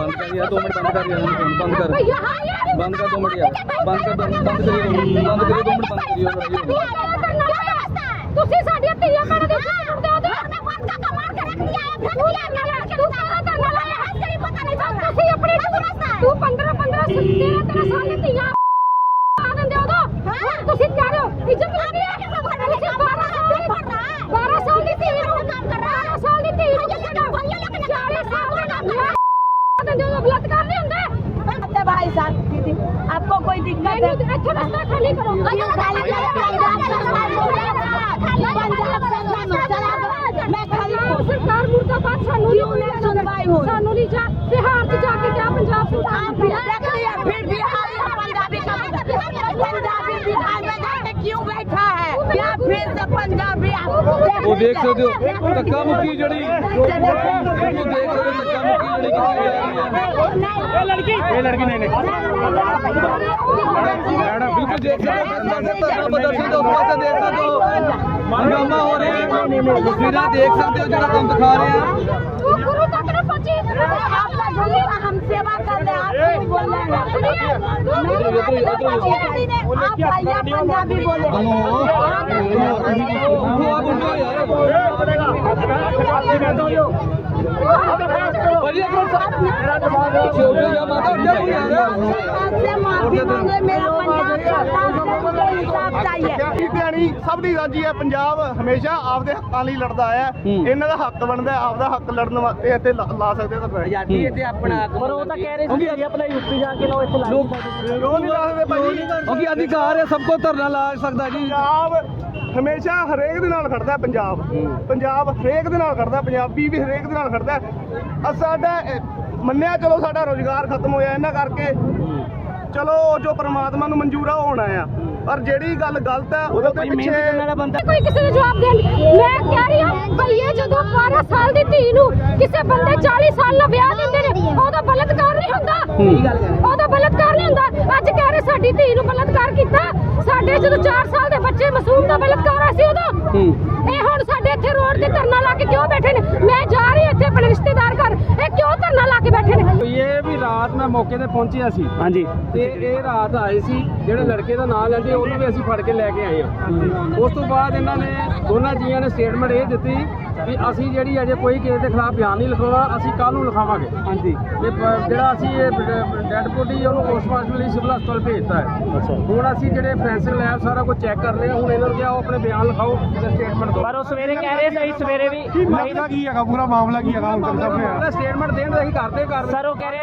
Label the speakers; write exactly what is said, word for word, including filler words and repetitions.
Speaker 1: बंद कर यार, दो मिनट बंद कर यार, बंद कर बंद कर दो मिनट यार, बंद कर दो बंद करिए, बंद करिए दो मिनट बंद करिए।
Speaker 2: ਤੁਸੀਂ ਸਾਡੀਆਂ ਧੀਆਂ ਭੈਣਾਂ ਦੇ ਉੱਤੇ ਦੇ ਦੋ ਮੈਂ ਬੰਦ ਕਾ ਕਮਾਲ ਕਰ ਰੱਖ ਲਿਆ ਹੈ ਤੂੰ ਨਾ ਲੈ ਤੂੰ ਕਹਾਂ ਤਾਂ ਨਾ ਲੈ ਹੈ ਤੇਰੀ ਪਤਾ ਨਹੀਂ ਚੱਲਦਾ ਤੁਸੀਂ ਆਪਣੇ ਤੂੰ ਪੰਦਰਾਂ ਪੰਦਰਾਂ ਤੇਰਾਂ ਤੇਰਾਂ ਸਾਲ ਦੀ ਧੀਆਂ ਆ ਦਿੰਦੇ ਉਦੋਂ ਤੁਸੀਂ ਕਹਿ ਰਹੇ ਹੋ ਇੱਜ਼ਤ ਨਹੀਂ ਹੈ ਕਿ ਸਭ ਖੜੇ ਨੇ ਬਾਰਾਂ ਸਾਲ ਦੀ ਬਾਰਾਂ ਸਾਲ ਦੀ ਧੀ ਨੂੰ ਕੰਮ ਕਰ ਰਹਾ ਬਾਰਾਂ ਸਾਲ ਦੀ ਧੀ ਨੂੰ ਚਾਰੇ ਸਾਲ ਦਾ ਕੰਮ ਹੈ ਦਿੰਦੇ ਉਦੋਂ ਬਲਾਤਕਾਰ ਨਹੀਂ ਹੁੰਦਾ भाई साहब दीदी आपको कोई दिक्कत है अच्छा रास्ता खाली करो मैं खाली सरकार मुर्दाबाद सानू नहीं सुनवाई हो सानू नहीं जा बिहार से जाके क्या पंजाब से आप देख लिया फिर बिहार में पंजाबी का पंजाबी बिहार में जाके क्यों बैठा है क्या फिर से पंजाबी
Speaker 1: वो देख सकते हो धक्का मुक्की जड़ी वो देख सकते हो धक्का मुक्की जड़ी
Speaker 3: ये लड़की ये लड़की नहीं नहीं
Speaker 1: मैडम बिल्कुल देख सकते हो प्रदर्शन तो उस पासे देख सकते हो हंगामा हो रहा है तस्वीरें देख सकते हो जो तुम दिखा रहे हैं
Speaker 2: गुरु तक न पहुंची आप हम सेवा कर रहे हैं आप बोल रहे हैं आप भैया पंजाबी बोले माफी मांगे मेरा
Speaker 4: ਸਭ ਦੀ ਰਾਜੀ ਹੈ। ਪੰਜਾਬ ਹਮੇਸ਼ਾ ਆਪਦੇ ਹੱਕਾਂ ਲਈ ਲੜਦਾ ਆਇਆ, ਇਹਨਾਂ ਦਾ ਹੱਕ ਬਣਦਾ ਆਪਦਾ ਹੱਕ ਲੜਨ ਵਾਸਤੇ ਇੱਥੇ ਲਾ ਸਕਦੇ ਤਾਂ
Speaker 3: ਆਜ਼ਾਦੀ ਇੱਥੇ ਆਪਣਾ ਪਰ ਉਹ ਤਾਂ ਕਹਿ ਰਹੇ ਸੀ ਕਿ ਆਪਣਾ ਯੂਪੀ ਜਾ ਕੇ ਲਓ ਇੱਥੇ ਲਾ
Speaker 4: ਕਿਉਂ ਨਹੀਂ ਲਾ ਸਕਦੇ ਭਾਜੀ?
Speaker 1: क्योंकि अधिकार है सबको धरना ला सकता है जी।
Speaker 4: ਪੰਜਾਬ ਹਮੇਸ਼ਾ ਹਰੇਕ ਦੇ ਨਾਲ ਖੜਦਾ ਹੈ। ਪੰਜਾਬ ਪੰਜਾਬ ਹਰੇਕ ਦੇ ਨਾਲ ਖੜਦਾ, ਪੰਜਾਬੀ ਵੀ ਹਰੇਕ ਦੇ ਨਾਲ ਖੜਦਾ। ਅ ਸਾਡਾ ਮੰਨਿਆ ਚਲੋ ਸਾਡਾ ਰੋਜ਼ਗਾਰ ਖਤਮ ਹੋਇਆ ਇਹਨਾਂ ਕਰਕੇ, ਚਲੋ ਜੋ ਪ੍ਰਮਾਤਮਾ ਨੂੰ ਮਨਜ਼ੂਰ ਆ ਹੋਣਾ ਆ, ਪਰ ਜਿਹੜੀ ਗੱਲ ਗਲਤ ਹੈ ਉਹਦੇ ਪਿੱਛੇ
Speaker 2: ਕੋਈ ਕਿਸੇ ਨੂੰ ਜਵਾਬ ਦੇਣ ਮੈਂ ਕਹਿ ਰਹੀ ਹਾਂ ਭਈਏ ਜਦੋਂ ਬਾਰਾਂ ਸਾਲ ਦੀ ਧੀ ਨੂੰ ਕਿਸੇ ਬੰਦੇ ਚਾਲੀ ਸਾਲ ਦਾ ਵਿਆਹ ਦਿੰਦੇ ਨੇ ਉਹਦਾ ਬਲਤਕਾਰ ਨਹੀਂ ਹੁੰਦਾ ਉਹਦਾ ਬਲਤਕਾਰ ਨਹੀਂ ਹੁੰਦਾ। ਅੱਜ ਕਹਿ ਰਹੇ ਸਾਡੀ ਧੀ ਨੂੰ ਬਲਤਕਾਰ ਕੀਤਾ, ਸਾਡੇ ਜਦੋਂ ਚਾਰ ਸਾਲ ਦੇ ਬੱਚੇ ਮਾਸੂਮ ਦਾ ਬਲਤਕਾਰ ਆ ਸੀ ਉਦੋਂ ਇਹ ਹੁਣ ਸਾਡੇ ਇੱਥੇ ਰੋਡ ਤੇ ਧਰਨਾ ਲਾ ਕੇ ਕਿਉਂ ਬੈਠੇ ਨੇ? ਮੈਂ ਜਾ ਰਹੀ ਇੱਥੇ ਆਪਣੇ ਰਿਸ਼ਤੇਦਾਰ ਘਰ, ਇਹ ਕਿਉਂ ਧਰਨਾ ਲਾ ਕੇ ਬੈਠੇ ਨੇ?
Speaker 1: ਇਹ ਵੀ ਰਾਤ ਮੈਂ ਮੌਕੇ ਤੇ ਪਹੁੰਚਿਆ ਸੀ
Speaker 3: ਹਾਂਜੀ
Speaker 1: ਤੇ ਇਹ ਰਾਤ ਆਏ ਸੀ ਜਿਹੜੇ ਲੜਕੇ ਦਾ ਨਾਂ ਲੈਂਦੇ ਉਹਨੂੰ ਵੀ ਅਸੀਂ ਫੜ ਕੇ ਲੈ ਕੇ ਆਏ ਹਾਂ। ਉਸ ਤੋਂ ਬਾਅਦ ਇਹਨਾਂ ਨੇ ਦੋਨਾਂ ਜੀਆਂ ਨੇ ਸਟੇਟਮੈਂਟ ਇਹ ਦਿੱਤੀ ਵੀ ਅਸੀਂ ਜਿਹੜੀ ਅਜੇ ਕੋਈ ਕਿਸੇ ਦੇ ਖਿਲਾਫ ਬਿਆਨ ਨਹੀਂ ਲਿਖਾਉਣਾ, ਅਸੀਂ ਕੱਲ੍ਹ ਨੂੰ ਲਿਖਾਵਾਂਗੇ।
Speaker 3: ਹਾਂਜੀ
Speaker 1: ਤੇ ਪ- ਜਿਹੜਾ ਅਸੀਂ ਇਹ ਡੈਡ ਬੋਡੀ ਉਹਨੂੰ ਪੋਸਟਮਾਰਟਮ ਲਈ ਸਿਵਲ ਹਸਪਤਾਲ ਭੇਜਤਾ ਹੈ। ਹੁਣ ਅਸੀਂ ਜਿਹੜੇ ਫੋਰੈਂਸਿਕ ਲੈਬ ਸਾਰਾ ਕੁਝ ਚੈੱਕ ਕਰ ਰਹੇ ਹਾਂ। ਹੁਣ ਇਹਨਾਂ ਨੂੰ ਕਿਹਾ ਉਹ ਆਪਣੇ ਬਿਆਨ ਲਿਖਾਓ ਤੇ ਸਟੇਟਮੈਂਟ ਦਿਓ।
Speaker 3: ਪਰ ਉਹ ਸਵੇਰੇ ਕਹਿ ਰਹੇ ਸੀ ਸਵੇਰੇ ਵੀ
Speaker 4: ਮਾਮਲਾ ਕੀ ਹੈਗਾ, ਪੂਰਾ ਮਾਮਲਾ ਕੀ ਹੈਗਾ ਹੁਣ ਤੱਕ ਸਾਹਮਣੇ ਆਇਆ?
Speaker 1: ਸਟੇਟਮੈਂਟ ਦੇਣ ਦਾ ਅਸੀਂ ਕਰਦੇ ਕਰ
Speaker 3: ਸਰ ਉਹ ਕਹਿ ਰਹੇ